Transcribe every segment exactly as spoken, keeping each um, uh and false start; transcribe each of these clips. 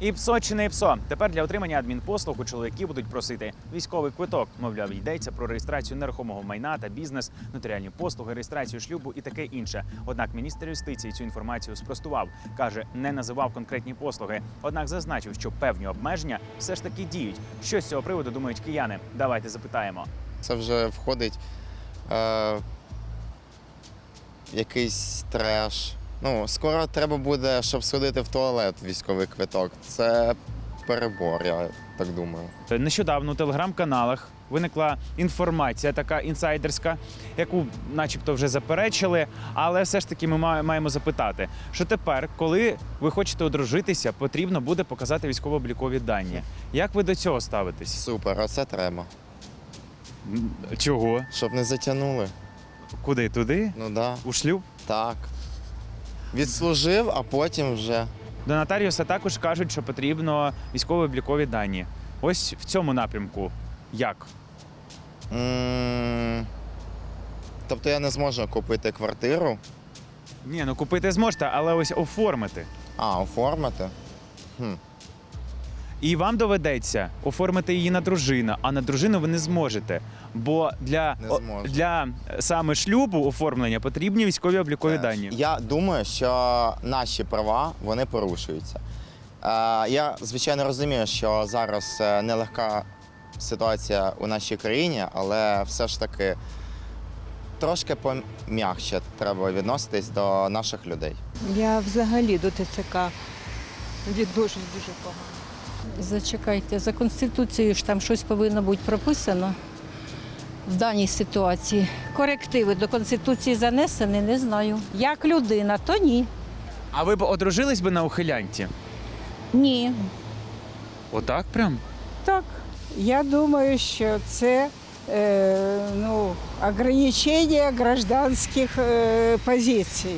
ІПСО чи не ІПСО? Тепер для отримання адмінпослуг у чоловіки будуть просити військовий квиток. Мовляв, йдеться про реєстрацію нерухомого майна та бізнес, нотаріальні послуги, реєстрацію шлюбу і таке інше. Однак міністр юстиції цю інформацію спростував. Каже, не називав конкретні послуги. Однак зазначив, що певні обмеження все ж таки діють. Що з цього приводу думають кияни? Давайте запитаємо. Це вже входить е, якийсь треш. Ну, скоро треба буде, щоб сходити в туалет військовий квиток. Це перебор, я так думаю. Нещодавно у телеграм-каналах виникла інформація така інсайдерська, яку начебто вже заперечили, але все ж таки ми маємо запитати, що тепер, коли ви хочете одружитися, потрібно буде показати військово-облікові дані. Як ви до цього ставитесь? Супер, оце треба. Чого? Щоб не затягнули. Куди? Туди? Ну да. У шлюб? Так. Відслужив, а потім вже. До нотаріуса також кажуть, що потрібно військово-облікові дані. Ось в цьому напрямку. Як? М, Тобто я не зможу купити квартиру, Ні, ну купити зможете, але ось оформити. а оформити. Хм. І вам доведеться оформити її на дружину, а на дружину ви не зможете. Бо для, Не о, зможу. для саме шлюбу оформлення потрібні військові облікові дані. Я думаю, що наші права вони порушуються. Е, Я, звичайно, розумію, що зараз е, нелегка ситуація у нашій країні, але все ж таки трошки пом'якше треба відноситись до наших людей. Я взагалі до ТЦК відношусь дуже погано. Зачекайте, за Конституцією ж там щось повинно бути прописано в даній ситуації. Корективи до Конституції занесені, не знаю. Як людина, то ні. А ви б одружились би на ухилянті? Ні. Отак прям? Так, я думаю, що це е, ну, ограничення гражданських е, позицій.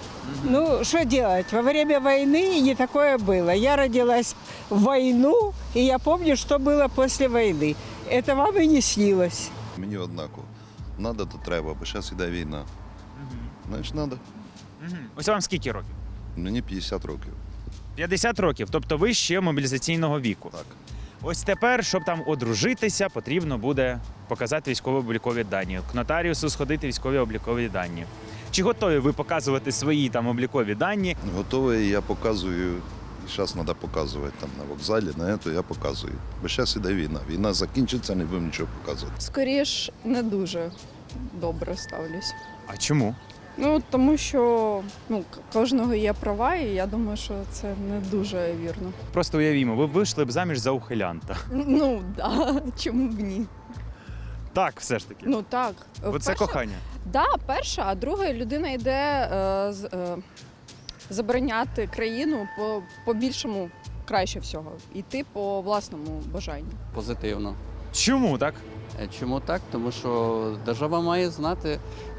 Ну, что делать? Во время войны не такое было. Я родилась в войну, и я помню, что было после войны. Это вам и не снилось. Мені однаково. Надо, то треба, бо зараз іде війна. Знаєш, треба. Угу. Ось вам скільки років? Мені п'ятдесят років. п'ятдесят років, тобто ви ще мобілізаційного віку. Так. Ось тепер, щоб там одружитися, потрібно буде показати військово-облікові дані. К нотаріусу сходити військові облікові дані. Чи готові ви показувати свої там облікові дані? Готовий, я показую. І зараз треба показувати там на вокзалі, на це я показую. Бо зараз іде війна. Війна закінчиться, не будемо нічого показувати. Скоріш, не дуже добре ставлюсь. А чому? Ну, тому що ну, к- кожного є права, і я думаю, що це не дуже вірно. Просто уявімо, ви вийшли б заміж за ухилянта. Ну, да, чому б ні? Так, все ж таки. Ну, так. Бо це Перше- кохання. Да, перша, а друга людина йде е, з, е, забороняти країну по, по більшому краще всього. Йти по власному бажанню. Позитивно. Чому так? Е, Чому так? Тому що держава має знати,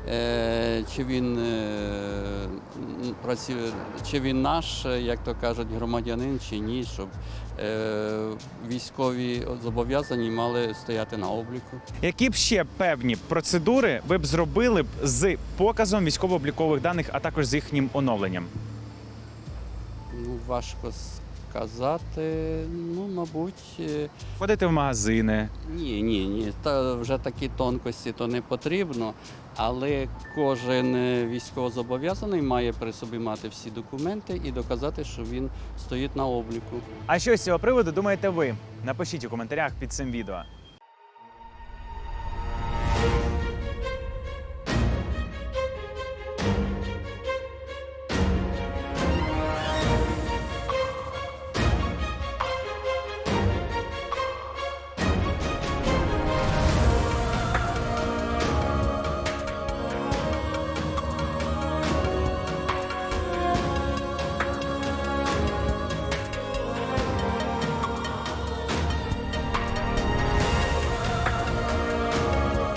е, чи він е, м, працює, чи він наш, е, як то кажуть, громадянин, чи ні, щоб е, військові зобов'язані мали стояти на обліку. Які б ще певні процедури ви б зробили б з показом військово-облікових даних, а також з їхнім оновленням? Ну, важко сказати. Ну, мабуть, е, Ходити в магазини. ні, ні, ні. Та вже такі тонкості то не потрібно. Але кожен е, військовозобов'язаний має при собі мати всі документи і доказати, що він стоїть на обліку. А що з цього приводу думаєте ви? Напишіть у коментарях під цим відео.